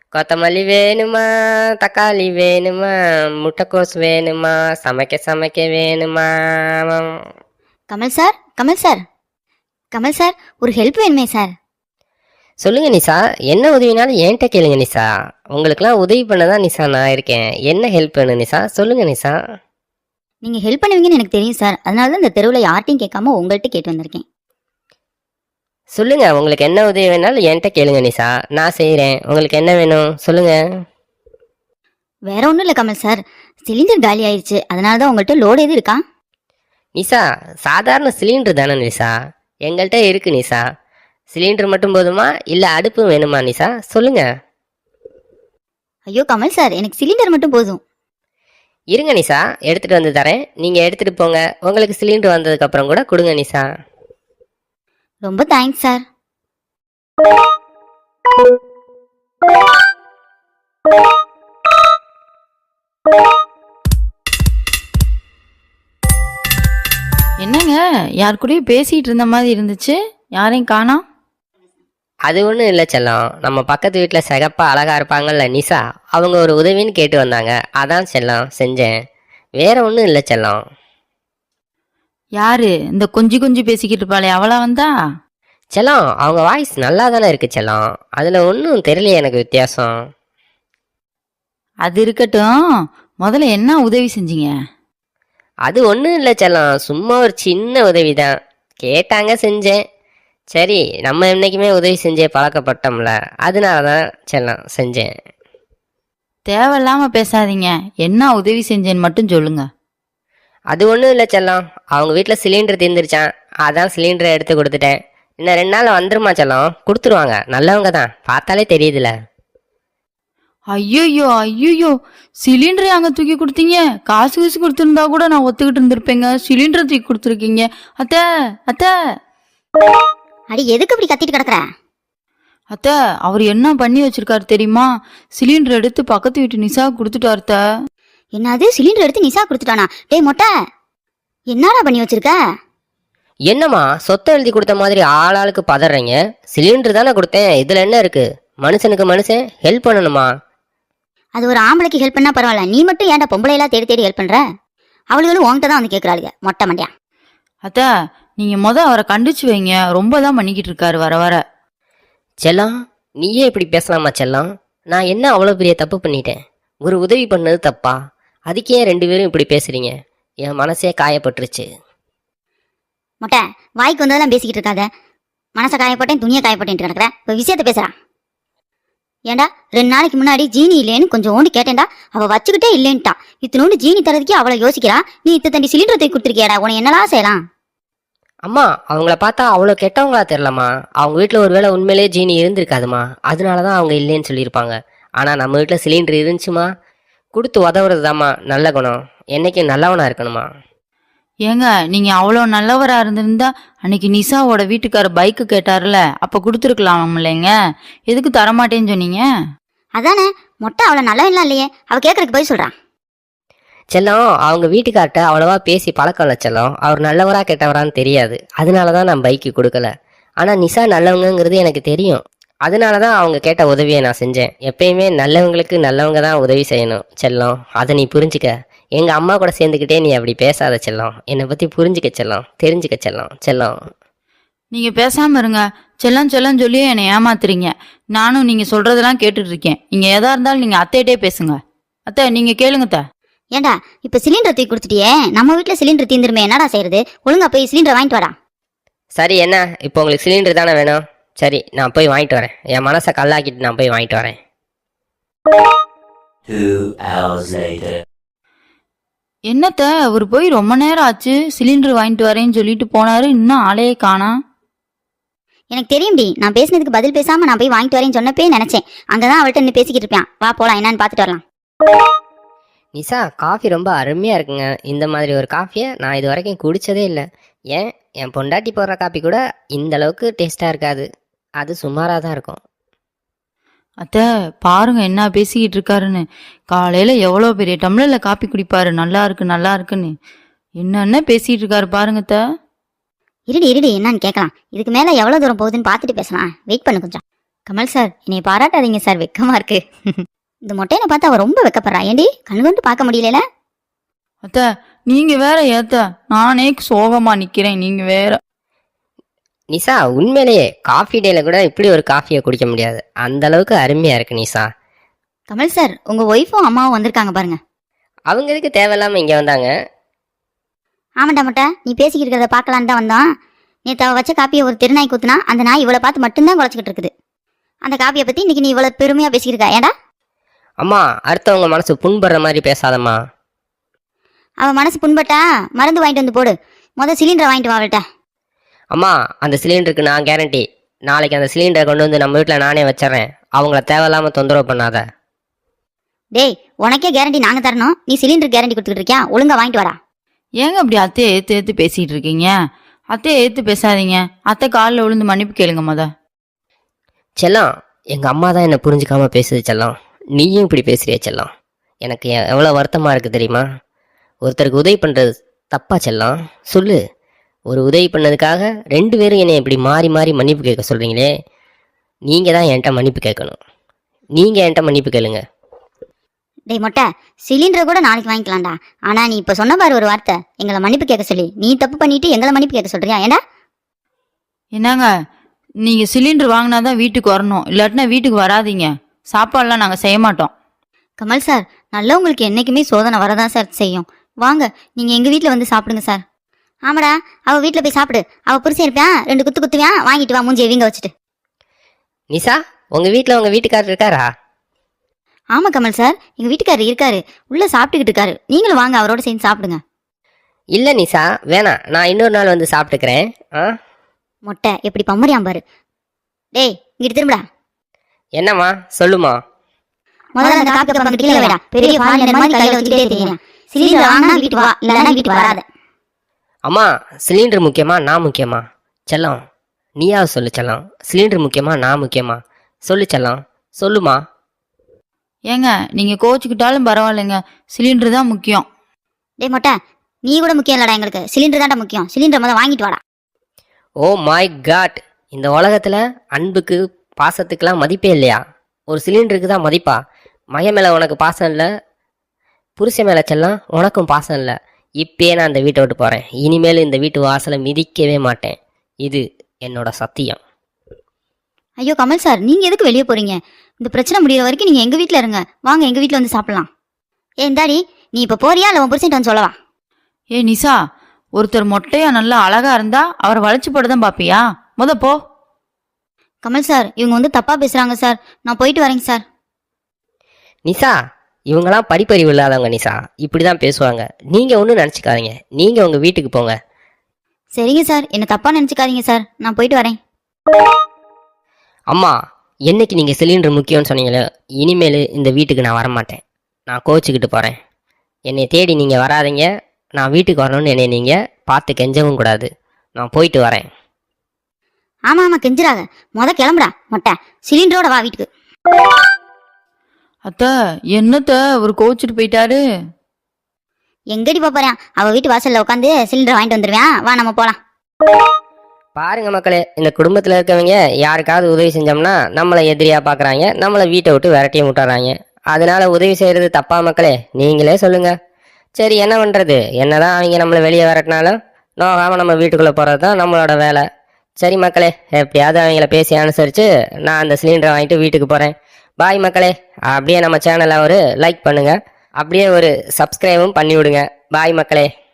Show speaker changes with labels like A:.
A: கொத்தமல்லி வேணுமா, தக்காளி வேணுமா, முட்டைக்கோஸ் வேணுமா, சமைக்க சமைக்க வேணுமா?
B: Kamal sir, Kamal sir, Kamal sir, ஒரு ஹெல்ப் வேணுமே சார்.
A: சொல்லுங்க நிஷா, என்ன உதவினாலும் என்கிட்ட கேளுங்க நிஷா. உங்களுக்குலாம் உதவி பண்ணதான் நிஷா நான் இருக்கேன். என்ன ஹெல்ப் வேணும் நிஷா, சொல்லுங்க நிஷா.
B: நீங்க ஹெல்ப் பண்ணுவீங்கன்னு எனக்கு தெரியும் சார். அதனால தான் இந்த தெருவில் யார்ட்டையும் கேட்காம உங்கள்கிட்ட கேட்டு வந்திருக்கேன்.
A: சொல்லுங்க, உங்களுக்கு என்ன உதவி வேணாலும் என்கிட்ட கேளுங்க நிஷா, நான் செய்கிறேன். உங்களுக்கு என்ன வேணும் சொல்லுங்க.
B: வேற ஒன்றும் இல்லை கமல் சார், சிலிண்டர் காலி ஆயிடுச்சு. அதனால தான் உங்கள்கிட்ட லோடு எது இருக்கா?
A: நிஷா, சாதாரண சிலிண்டர் தானே நிஷா, எங்கள்கிட்ட இருக்கு நிஷா. சிலிண்டர் மட்டும் போதுமா, இல்லை அடுப்பு வேணுமா நிஷா, சொல்லுங்க.
B: ஐயோ கமல் சார், எனக்கு சிலிண்டர் மட்டும் போதும்.
A: இருங்க நிஷா, எடுத்துட்டு வந்து தரேன். நீங்க எடுத்துட்டு போங்க. உங்களுக்கு சிலிண்டர் வந்ததுக்கு அப்புறம் கூட கொடுங்க நிஷா.
B: ரொம்ப தேங்க்ஸ் சார்.
C: என்னங்க, யார் கூடயும் பேசிட்டு இருந்த மாதிரி இருந்துச்சு, யாரையும் காணோம்?
A: அது ஒன்றும் இல்லை செல்லம், நம்ம பக்கத்து வீட்டில் சிகப்பா அழகா இருப்பாங்கல்ல நிஷா, அவங்க ஒரு உதவின்னு கேட்டு வந்தாங்க. அதான் செல்லம் செஞ்சேன், வேற ஒன்றும் இல்லை செல்லம்.
C: யாரு இந்த கொஞ்சி கொஞ்சி பேசிக்கிட்டு இருப்பாளே, அவளா வந்தா?
A: செல்லம், அவங்க வாய்ஸ் நல்லா தானே இருக்கு செல்லம், அதில் ஒன்றும் தெரியலையே எனக்கு வித்தியாசம்.
C: அது இருக்கட்டும், முதல்ல என்ன உதவி செஞ்சீங்க?
A: அது ஒன்றும் இல்லை செல்லம், சும்மா ஒரு சின்ன உதவி தான் கேட்டாங்க, செஞ்சேன். சரி, நம்ம இன்னைக்குமே உதவி செஞ்சே பழக்கப்பட்டோம்ல, அதனால தான் செல்லம் செஞ்சேன்.
C: தேவையில்லாம பேசாதீங்க, என்ன உதவி செஞ்சேன்னு மட்டும் சொல்லுங்க.
A: அது ஒன்றும் இல்லை செல்லம், அவங்க வீட்டில் சிலிண்டர் தீர்ந்துருச்சான், அதான் சிலிண்டரை எடுத்து கொடுத்துட்டேன். இன்னும் 2 நாள் வந்துருமா செல்லம், கொடுத்துருவாங்க. நல்லவங்க தான், பார்த்தாலே தெரியுதுல.
C: ஐயோ ஐயோ, சிலிண்டரை அங்க தூக்கி கொடுத்தீங்க. காசு காசு கொடுத்துருந்தா கூட நான் ஒத்துக்கிட்டு இருந்திருப்பேங்க. சிலிண்டரை தூக்கி கொடுத்துருக்கீங்க. அத்தை அத்தை
B: அடி, எதுக்கு இப்படி கத்திட்டு கிடக்குற?
C: அத்தை, அவர் என்ன பண்ணி வச்சிருக்காரு தெரியுமா? சிலிண்டர் எடுத்து பக்கத்து வீட்டு நிஷா கொடுத்துட்டாரு அத்தை.
B: என்னது, சிலிண்டர் எடுத்து நிஷா கொடுத்துட்டானா? டேய் மொட்டை, என்னடா பண்ணி வச்சிருக்க?
A: என்னம்மா சொத்தை எழுதி கொடுத்த மாதிரி ஆளாளுக்கு பதறீங்க? சிலிண்டர் தானே கொடுத்தேன், இதில் என்ன இருக்கு? மனுஷனுக்கு மனுஷன் ஹெல்ப் பண்ணணுமா?
B: அது ஒரு ஆம்பளைக்கு ஹெல்ப் பண்ணா பரவாயில்ல, நீ மட்டும் ஏன்டா பொம்பளையெல்லாம் தேடி தேடி ஹெல்ப் பண்ற? அவளுகளும் உன்கிட்ட தான் வந்து கேட்கறாளுங்க, மொட்டை மண்டியா.
C: அத்தை, நீங்க அவரை கண்டிச்சு வைங்க, ரொம்ப தான் பண்ணிக்கிட்டு இருக்காரு வர வர.
A: செல்லம், நீயே இப்படி பேசலாமா செல்லம்? நான் என்ன அவ்வளோ பெரிய தப்பு பண்ணிட்டேன்? ஒரு உதவி பண்ணது தப்பா? அதுக்கே 2 பேரும் இப்படி பேசுறீங்க? என் மனசே காயப்பட்டுருச்சு.
B: மொட்டை, வாய்க்கு வந்ததெல்லாம் பேசிக்கிட்டு இருக்காத. மனசை காயப்பட்டேன், துணியை காயப்பட்டேன் கிடக்குற. இப்போ விஷயத்த பேசுறான். ஏண்டா, 2 நாளைக்கு முன்னாடி ஜீனி இல்லைன்னு கொஞ்சம் ஓண்டி கேட்டேன்டா, அவள் வச்சுக்கிட்டே இல்லைன்ட்டா. இத்தனோண்டு ஜீனி தரதுக்கே அவளை யோசிக்கிறா. நீ தண்டி சிலிண்டர் தூக்கி கொடுத்துருக்கியாடா, உன என்னலாம் செய்யலாம்?
A: அம்மா, அவங்கள பார்த்தா அவ்வளோ கெட்டவங்களா தெரிலம்மா. அவங்க வீட்டில் ஒருவேளை உண்மையிலே ஜீனி இருந்திருக்காதுமா, அதனால தான் அவங்க இல்லைன்னு சொல்லியிருப்பாங்க. ஆனால் நம்ம வீட்டில் சிலிண்டர் இருந்துச்சுமா, கொடுத்து உதவுறது தாம்மா நல்ல குணம். என்னைக்கும் நல்லவனா இருக்கணுமா?
C: ஏங்க, நீங்க அவ்வளோ நல்லவரா இருந்திருந்தா அன்னைக்கு நிஷாவோட வீட்டுக்கார பைக்கு கேட்டார்ல, அப்ப கொடுத்துருக்கலாம் இல்லைங்க. எதுக்கு தரமாட்டேன்னு சொன்னீங்க?
B: அதானே, மொட்டை அவளை நல்லவன்லாம் இல்லையே, அவ கேட்கறதுக்கு போய் சொல்றான்.
A: செல்லம், அவங்க வீட்டுக்கார்ட்ட அவ்வளவா பேசி பழக்கம் இல்லை செல்லம். அவர் நல்லவரா கெட்டவரான்னு தெரியாது, அதனால தான் நான் பைக்கு கொடுக்கல. ஆனால் நிஷா நல்லவங்கிறது எனக்கு தெரியும், அதனால தான் அவங்க கேட்ட உதவியை நான் செஞ்சேன். எப்பயுமே நல்லவங்களுக்கு நல்லவங்க தான் உதவி செய்யணும் செல்லம், அதை நீ புரிஞ்சுக்க. எங்கள் அம்மா கூட சேர்ந்துக்கிட்டே நீ அப்படி பேசாத செல்லம். என்னை பற்றி புரிஞ்சுக்க செல்லம், தெரிஞ்சுக்க செல்லம். செல்லம்,
C: நீங்க பேசாம இருங்க. செல்லம் செல்லம் சொல்லியே என்னை ஏமாத்துறீங்க. நானும் நீங்க சொல்றதெல்லாம் கேட்டுட்டு இருக்கேன். நீங்க எதா இருந்தாலும் நீங்க அத்தையிட்டே பேசுங்க. அத்தை, நீங்க கேளுங்க அத்தை.
B: ஏண்டா, இப்ப சிலிண்டர் தூக்கி கொடுத்துட்டியே, நம்ம வீட்டுல சிலிண்டர் தீந்துருமே, என்னடா செய்யறது? ஒழுங்கா போய் சிலிண்டர் வாங்கிட்டு வாடா.
A: சரி, என்ன இப்போ உங்களுக்கு சிலிண்டர் தானே வேணும்? சரி, நான் போய் வாங்கிட்டு வரேன். என் மனசை கல்லாக்கிட்டு நான் போய் வாங்கிட்டு வரேன்.
D: 2 hours later.
C: என்னத்த, அவர் போய் ரொம்ப நேரம் ஆச்சு. சிலிண்டர் வாங்கிட்டு வரேன்னு சொல்லிட்டு போனாரு, இன்னும் ஆளையே காணா.
B: எனக்கு தெரியும்டி, நான் பேசினதுக்கு பதில் பேசாம நான் போய் வாங்கிட்டு வரேன்னு சொன்னப்பே நினைச்சேன். அங்கதான் அவள்கிட்ட நின்று பேசிக்கிட்டு இருப்பான். வா போலாம், என்னன்னு பாத்துட்டு வரலாம்.
A: நிஷா, காஃபி ரொம்ப அருமையாக இருக்குங்க. இந்த மாதிரி ஒரு காஃபியை நான் இது வரைக்கும் குடித்ததே இல்லை. ஏன், என் பொண்டாட்டி போடுற காஃபி கூட இந்த அளவுக்கு டேஸ்ட்டாக இருக்காது, அது சுமாராக தான் இருக்கும்.
C: அத்தை, பாருங்க என்ன பேசிக்கிட்டு இருக்காருன்னு. காலையில எவ்வளோ பெரிய டம்ளர்ல காப்பி குடிப்பாரு, நல்லா இருக்கு நல்லா இருக்குன்னு. என்னென்ன பேசிட்டு இருக்காரு பாருங்க அத்தை.
B: இருடி இருடி, என்னன்னு கேட்கலாம். இதுக்கு மேல எவ்வளவு தூரம் போகுதுன்னு பார்த்துட்டு பேசலாம். வெயிட் பண்ணு கொஞ்சம். கமல் சார் என்னை பாராட்டாதீங்க சார், வெக்கமா இருக்கு. இந்த மொட்டையனை பார்த்து அவ ரொம்ப வெக்கப்படுறா. ஏண்டி கண்ணு கொண்டு பார்க்க முடியல?
C: அத்தை நீங்க வேற ஏத்த, நானே சோகமா நிக்கிறேன், நீங்க வேற.
A: நிசா உண்மையிலேயே காஃபி டேல கூட இப்படி ஒரு காஃபியை குடிக்க முடியாது, அந்த அளவுக்கு அருமையா இருக்கு நிசா.
B: கமல் சார் உங்க ஒய்ஃபும் அம்மாவும் வந்திருக்காங்க பாருங்க.
A: அவங்க எதுக்கு தேவையில்லாம இங்க வந்தாங்க?
B: ஆமாண்டா மொட்டை, நீ பேசிக்கிட்டு இருக்கிறத பார்க்கலான்னு தான் வந்தோம். நேற்று அவ வச்ச காப்பியை ஒரு திருநாய் குத்துனா அந்த நாய் இவளை பார்த்து மட்டும்தான் குலைச்சிக்கிட்டு இருக்குது. அந்த காப்பியை பத்தி இன்னைக்கு நீ இவ்வளவு பெருமையா பேசிக்கிருக்கா ஏண்டா?
A: அம்மா அடுத்தவங்க மனசு புண்படுற மாதிரி பேசாதம்மா.
B: அவ மனசு புண்பட்டா மருந்து வாங்கிட்டு வந்து போடு. சிலிண்டரை வாங்கிட்டு வா அவள்கிட்ட.
A: அம்மா அந்த சிலிண்டருக்கு நான் கேரண்டி. நாளைக்கு அந்த சிலிண்டரை கொண்டு வந்து நம்ம வீட்டில் நானே வச்சிடறேன். அவங்கள தேவையில்லாம தொந்தரவு பண்ணாத.
B: டேய் உனக்கே கேரண்டி நாங்க தரணும், நீ சிலிண்டர் கேரண்டி கொடுத்துக்கிட்டு இருக்கியா? ஒழுங்கா வாங்கிட்டு வாடா.
C: ஏங்க அப்படி அத்தையை ஏத்து பேசிட்டு இருக்கீங்க? அத்தையை ஏத்து பேசாதீங்க. அத்தை காலில் விழுந்து மன்னிப்பு கேளுங்க மொத.
A: செல்லம், எங்க அம்மா தான் என்ன புரிஞ்சுக்காம பேசுது செல்லம். நீயும் இப்படி பேசுறிய செல்லம். எனக்கு எவ்வளோ வருத்தமா இருக்கு தெரியுமா? ஒருத்தருக்கு உதவி பண்றது தப்பா செல்லம்? சொல்லு. ஒரு உதவி பண்ணதுக்காக 2 பேரும் என்னை இப்படி மாறி மாறி மன்னிப்பு கேட்க சொல்றீங்களே. நீங்க தான் என்கிட்ட மன்னிப்பு கேட்கணும். நீங்க என்கிட்ட மன்னிப்பு கேளுங்க.
B: டேய் மொட்டை, சிலிண்டர் கூட நாளைக்கு வாங்கிக்கலாம்டா. ஆனா நீ இப்ப சொன்ன பாரு ஒரு வார்த்தை, எங்களை மன்னிப்பு கேட்க சொல்லி. நீ தப்பு பண்ணிட்டு எங்களை மன்னிப்பு கேட்க சொல்றியா? ஏண்டா?
C: என்னங்க நீங்க சிலிண்டர் வாங்கினாதான் வீட்டுக்கு வரணும், இல்லாட்டினா வீட்டுக்கு வராதீங்க. சாப்பாடுலாம் நாங்க செய்ய மாட்டோம்.
B: கமல் சார் நல்லவங்களுக்கு என்னைக்குமே சோதனை வரதான் சார் செய்யும். வாங்க நீங்க எங்க வீட்டுல வந்து சாப்பிடுங்க சார். ஆமாடா, அவ வீட்டுல போய் சாப்பிடு. அவ புருஷன் இருப்பான், 2 குத்து குத்துவான், வாங்கிட்டு வா மூஞ்சி வீங்க வச்சுட்டு.
A: நிசா உங்க வீட்டில் உங்க வீட்டுக்காரர் இருக்காரா?
B: ஆமா கமல் சார், எங்க வீட்டுக்காரர் இருக்காரு, உள்ள சாப்பிட்டுக்கிட்டு இருக்காரு. நீங்களும் வாங்க அவரோட சேர்ந்து சாப்பிடுங்க.
A: இல்லை நிசா வேணாம், நான் இன்னொரு நாள் வந்து சாப்பிட்டுக்கிறேன்.
B: மொட்டை எப்படி பம்மறியாம் பாரு. டேய் இங்கிட்டு திரும்படா.
A: என்னம்மா சொல்லுமா?
B: முதல்ல அந்த காப்பி கப் கீழே வைடா. பெரிய ஃபாரினர் மாதிரி கையில வச்சுக்கிட்டே தெரியும். சிலிண்டர் வாங்கினா வீட்டு வா, இல்லைன்னா வீட்டு வராத.
A: அம்மா சிலிண்டர் முக்கியமா நான் முக்கியமா? செல்லம் நீயாவது சொல்லு செல்லம். சிலிண்டர் முக்கியமா நான் முக்கியமா? சொல்லு செல்லம், சொல்லுமா.
C: ஏங்க நீங்க கோச்சுக்கிட்டாலும் பரவாயில்லைங்க, சிலிண்டர் தான் முக்கியம்.
B: டேய் மொட்டை, நீ கூட முக்கியம் இல்லடா, எங்களுக்கு சிலிண்டர் தான்டா முக்கியம். சிலிண்டர் முதல்ல வாங்கிட்டு வாடா.
A: ஓ மை காட், இந்த உலகத்தில் அன்புக்கு பாசத்துக்கெல்லாம் மதிப்பே இல்லையா? ஒரு சிலிண்டருக்கு தான் மதிப்பா? மகன் மேலே உனக்கு பாசம் இல்லை, புருஷன் மேலே செல்லம் உனக்கும் பாசம் இல்லை. இப்பயே நான் இந்த வீட்டை விட்டு போகிறேன். இனிமேல் இந்த வீட்டு வாசலை மிதிக்கவே மாட்டேன். இது என்னோட சத்தியம்.
B: ஐயோ கமல் சார், நீங்க எதுக்கு வெளியே போறீங்க? இந்த பிரச்சனை முடிகிற வரைக்கும் நீங்க எங்க வீட்டில் இருங்க. வாங்க எங்க வீட்டில் வந்து சாப்பிடலாம். இந்தாடி நீ இப்போ போறியா இல்லை உன் புருஷன்ட்டு வந்து சொல்லவா?
C: ஏ நிசா, ஒருத்தர் மொட்டையா நல்லா அழகா இருந்தா அவரை வளைச்சு போட்டுதான் பாப்பியா? போ.
B: கமல் சார் இவங்க வந்து தப்பா பேசுறாங்க சார், நான் போயிட்டு வரேங்க சார்.
A: நிசா இவங்கெல்லாம் படிப்பறிவு இல்லாதவங்க நிசா, இப்படி தான் பேசுவாங்க. நீங்கள் ஒன்றும் நினச்சிக்காதீங்க, நீங்கள் உங்கள் வீட்டுக்கு போங்க.
B: சரிங்க சார், என்ன தப்பா நினச்சிக்காதீங்க சார், நான் போயிட்டு வரேன்.
A: அம்மா என்னைக்கு நீங்கள் சிலிண்டர் முக்கியம்னு சொன்னீங்களோ இனிமேல் இந்த வீட்டுக்கு நான் வரமாட்டேன். நான் கோச்சிக்கிட்டு போகிறேன். என்னை தேடி நீங்கள் வராதீங்க. நான் வீட்டுக்கு வரணும்னு என்னை நீங்கள் பார்த்து கெஞ்சவும் கூடாது. நான் போயிட்டு வரேன்.
B: ஆமா ஆமா கெஞ்சிராக, கிளம்புடா மொட்டை. சிலிண்டரோட வா வீட்டுக்கு.
C: அத்த என்னத்த ஒரு கோச்சிட்டு போயிட்டாரு?
B: எங்கடி போறேன்? அவ வீட்டு வாசல்ல உட்காந்து சிலிண்டர் வாங்கிட்டு வந்துருவேன். வா நம்ம போலாம்.
A: பாருங்க மக்களே, இந்த குடும்பத்தில் இருக்கவங்க யாருக்காவது உதவி செஞ்சோம்னா நம்மளை எதிரியாக பார்க்குறாங்க, நம்மளை வீட்டை விட்டு விரட்டியும் விட்டுறாங்க. அதனால உதவி செய்கிறது தப்பா மக்களே? நீங்களே சொல்லுங்க. சரி என்ன பண்ணுறது, என்னதான் அவங்க நம்மளை வெளியே விரட்டினாலும் நோகாமல் நம்ம வீட்டுக்குள்ளே போகிறது தான் நம்மளோட வேலை. சரி மக்களே, எப்படியாவது அவங்கள பேசி அனுசரித்து நான் அந்த சிலிண்டரை வாங்கிட்டு வீட்டுக்கு போகிறேன். பாய் மக்களே. அப்படியே நம்ம சேனலை ஒரு லைக் பண்ணுங்கள், அப்படியே ஒரு சப்ஸ்கிரைபும் பண்ணி விடுங்க. பாய் மக்களே.